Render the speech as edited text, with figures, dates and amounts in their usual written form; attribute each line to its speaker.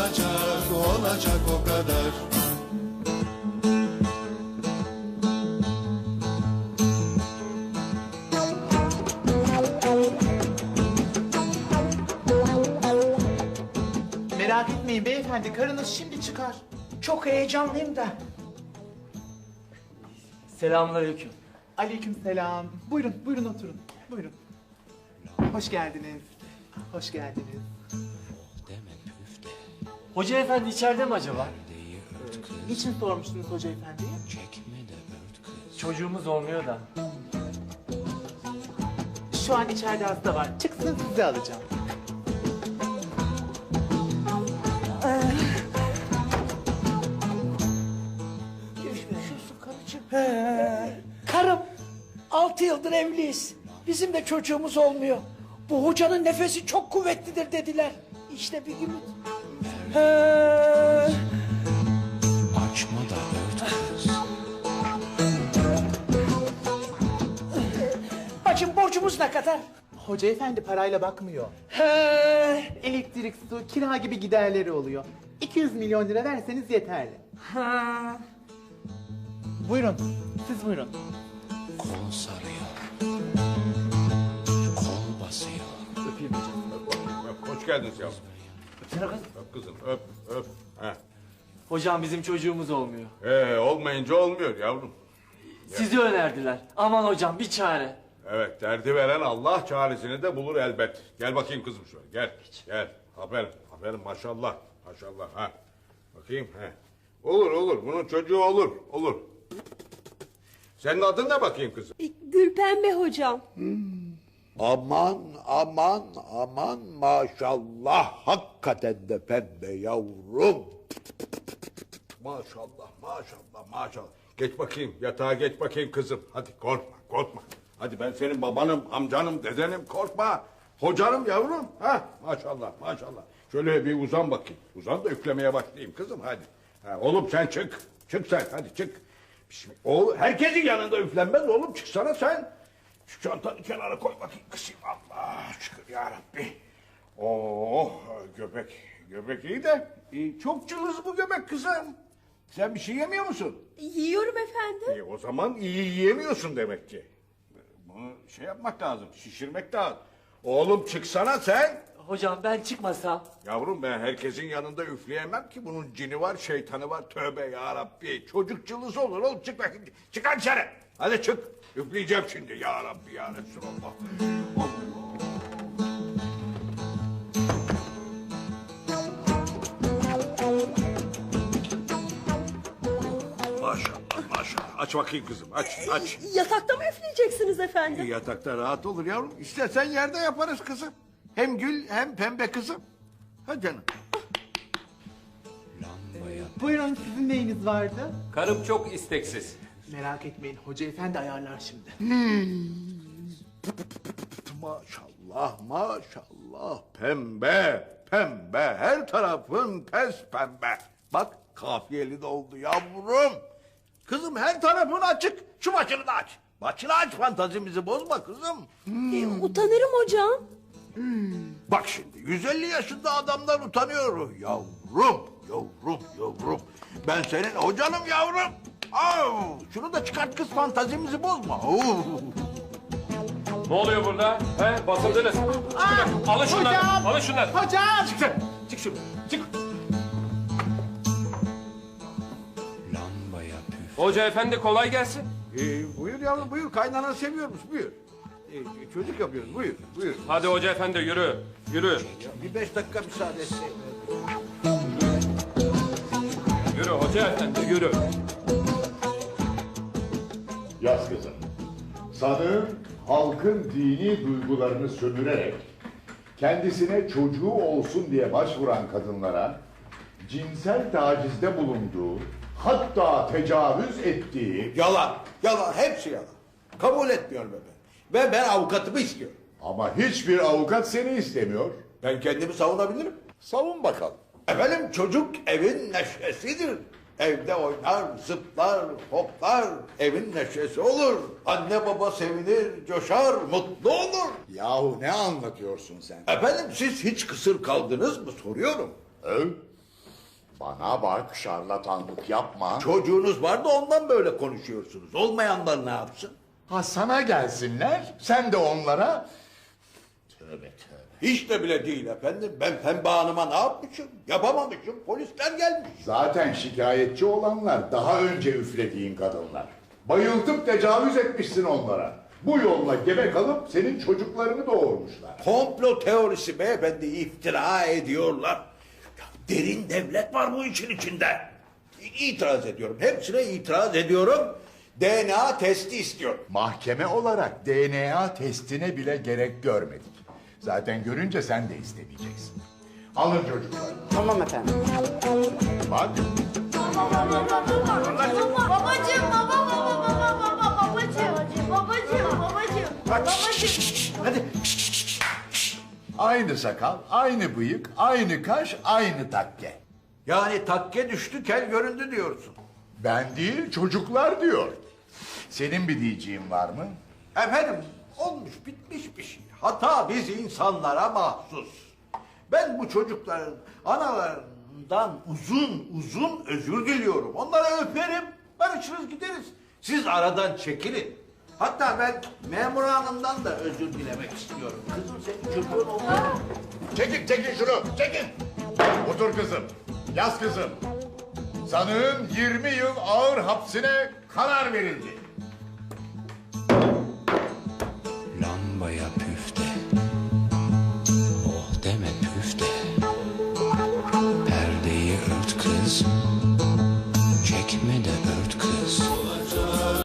Speaker 1: olacak, olacak o kadar.
Speaker 2: Merak etmeyin beyefendi, karınız şimdi çıkar.
Speaker 3: Çok heyecanlıyım da.
Speaker 4: Selamünaleyküm.
Speaker 2: Aleykümselam. Buyurun, buyurun oturun. Buyurun. Hoş geldiniz. Hoş geldiniz.
Speaker 4: Hoca efendi içeride mi acaba?
Speaker 2: Niçin sormuştunuz hoca efendiye?
Speaker 4: Çocuğumuz olmuyor da.
Speaker 2: Şu an içeride hasta var. Çıksın sizi alacağım.
Speaker 3: Geçmiyorsun karıcığım. Karım, 6 yıldır evliyiz. Bizim de çocuğumuz olmuyor. Bu hocanın nefesi çok kuvvetlidir dediler. İşte bir gün...
Speaker 1: Açma da ört kız.
Speaker 3: Bacım borcumuz ne kadar?
Speaker 2: Hoca efendi parayla bakmıyor.
Speaker 3: He.
Speaker 2: Elektrik, su, kira gibi giderleri oluyor. 200 milyon lira verseniz yeterli.
Speaker 3: Ha.
Speaker 2: Buyurun, siz buyurun.
Speaker 1: Kol sarıyor. Kol basıyor.
Speaker 4: Öpeyim hocam.
Speaker 5: Hoş geldiniz yavrum.
Speaker 4: Öpsene kız.
Speaker 5: Öp kızım, öp, öp. Heh.
Speaker 4: Hocam bizim çocuğumuz olmuyor.
Speaker 5: Olmayınca olmuyor yavrum.
Speaker 4: Sizi önerdiler. Aman hocam bir çare.
Speaker 5: Evet, derdi veren Allah çaresini de bulur elbet. Gel bakayım kızım şöyle, gel. Gel, aferin, aferin maşallah, maşallah. Ha. Bakayım, he. Olur, olur, bunun çocuğu olur, olur. Senin adın ne bakayım kızım?
Speaker 6: Gülpembe hocam.
Speaker 7: Aman aman aman maşallah hakikaten de pembe yavrum.
Speaker 5: Maşallah, maşallah, maşallah. Geç bakayım, yatağa geç bakayım kızım. Hadi korkma, korkma. Hadi ben senin babanım, amcanım, dedenim, korkma. Hocanım yavrum. Ha, maşallah, maşallah. Şöyle bir uzan bakayım. Uzan da üflemeye başlayayım kızım, hadi. Ha, oğlum sen çık. Çık sen, hadi çık. Bismillah. Oğlum, herkesin yanında üflenmez oğlum. Çıksana sen. Şu çantanı kenara koy bakayım kızım. Allah şükür ya Rabbi. Oh, göbek iyi de. Çok cılız bu göbek kızım. Sen bir şey yemiyor musun?
Speaker 6: Yiyorum efendim.
Speaker 5: O zaman iyi yiyemiyorsun demek ki. Bunu şey yapmak lazım, şişirmek lazım. Oğlum çıksana sen.
Speaker 4: Hocam ben çıkmasam.
Speaker 5: Yavrum ben herkesin yanında üfleyemem ki. Bunun cini var, şeytanı var. Tövbe ya Rabbi. Çocuk cılız olur oğlum. Çık bakayım. Çıkar dışarı. Hadi çık. Üfleyeceğim şimdi ya Rabbi ya Resulallah. Maşallah maşallah. Aç bakayım kızım. Aç.
Speaker 6: Yatakta mı üfleyeceksiniz efendim?
Speaker 5: Yatakta rahat olur yavrum. İstersen yerde yaparız kızım. Hem gül hem pembe kızım. Ha canım.
Speaker 2: Buyurun, sizin neyiniz vardı?
Speaker 8: Karım çok isteksiz.
Speaker 2: Merak etmeyin, hoca efendi ayarlar şimdi.
Speaker 5: Maşallah maşallah. Pembe pembe. Her tarafın pes pembe. Bak kafiyeli de oldu yavrum. Kızım her tarafın açık. Şu başını da aç. Başını aç, fantazimizi bozma kızım.
Speaker 6: Utanırım hocam.
Speaker 5: Bak şimdi 150 yaşında adamlar utanıyor. Yavrum. Ben senin hocanım yavrum. Şunu da çıkart kız, fantazimizi bozma.
Speaker 8: Ne oluyor burada? He, basıldınız. Alın şunları.
Speaker 2: Hocam!
Speaker 8: Alın şunları.
Speaker 2: Hocam!
Speaker 8: Çık sen. Çık şuradan. Çık.
Speaker 1: Lambaya püf.
Speaker 8: Hoca efendi kolay gelsin.
Speaker 5: Buyur yavrum buyur. Kaynanan seviyormuş buyur. Çocuk yapıyoruz buyur.
Speaker 8: Hadi hoca efendi yürü. Yürü.
Speaker 5: Bir 5 dakika müsaade et.
Speaker 8: Yürü hoca efendi yürü.
Speaker 9: Yaz kızım. Sanığın halkın dini duygularını sömürerek kendisine çocuğu olsun diye başvuran kadınlara cinsel tacizde bulunduğu, hatta tecavüz ettiği
Speaker 7: Yalan hepsi yalan. Kabul etmiyorum efendim. Ve ben avukatımı istiyorum.
Speaker 9: ama hiçbir avukat seni istemiyor.
Speaker 7: Ben kendimi savunabilirim.
Speaker 9: Savun bakalım.
Speaker 7: Efendim çocuk evin neşesidir. Evde oynar, zıplar, hoplar. Evin neşesi olur. Anne baba sevinir, coşar, mutlu olur.
Speaker 9: Yahu ne anlatıyorsun sen?
Speaker 7: Efendim siz hiç kısır kaldınız mı soruyorum.
Speaker 9: Bana bak, şarlatanlık yapma.
Speaker 7: Çocuğunuz var da ondan böyle konuşuyorsunuz. Olmayanlar ne yapsın?
Speaker 9: Ha, sana gelsinler, sen de onlara... Tövbe tövbe.
Speaker 7: Hiç de bile değil efendim. Ben Pembe Hanım'a ne yapmışım? Yapamamışım. Polisler gelmiş.
Speaker 9: Zaten şikayetçi olanlar daha önce üflediğin kadınlar. Bayıltıp tecavüz etmişsin onlara. Bu yolla gebe kalıp senin çocuklarını doğurmuşlar.
Speaker 7: Komplo teorisi beyefendi, iftira ediyorlar. Ya derin devlet var bu işin içinde. İtiraz ediyorum. Hepsine itiraz ediyorum. DNA testi istiyorum.
Speaker 9: Mahkeme olarak DNA testine bile gerek görmedik. Zaten görünce sen de istemeyeceksin. Alın çocuklar.
Speaker 2: Tamam efendim.
Speaker 9: Bak.
Speaker 2: Hadi.
Speaker 9: Aynı sakal, aynı bıyık, aynı kaş, aynı takke.
Speaker 7: Yani takke düştü, kel göründü diyorsun.
Speaker 9: Ben değil, çocuklar diyor. Senin bir diyeceğin var mı?
Speaker 7: Efendim, olmuş bitmiş bir şey. Hata biz insanlara mahsus. Ben bu çocukların analarından uzun uzun özür diliyorum. Onlara öperim, barışırız gideriz. Siz aradan çekilin. Hatta ben memur hanımdan da özür dilemek istiyorum. Kızım senin çocuğun oldu.
Speaker 9: Çekin şunu, çekin. Otur kızım, yaz kızım. Sanığın 20 yıl ağır hapsine karar verildi.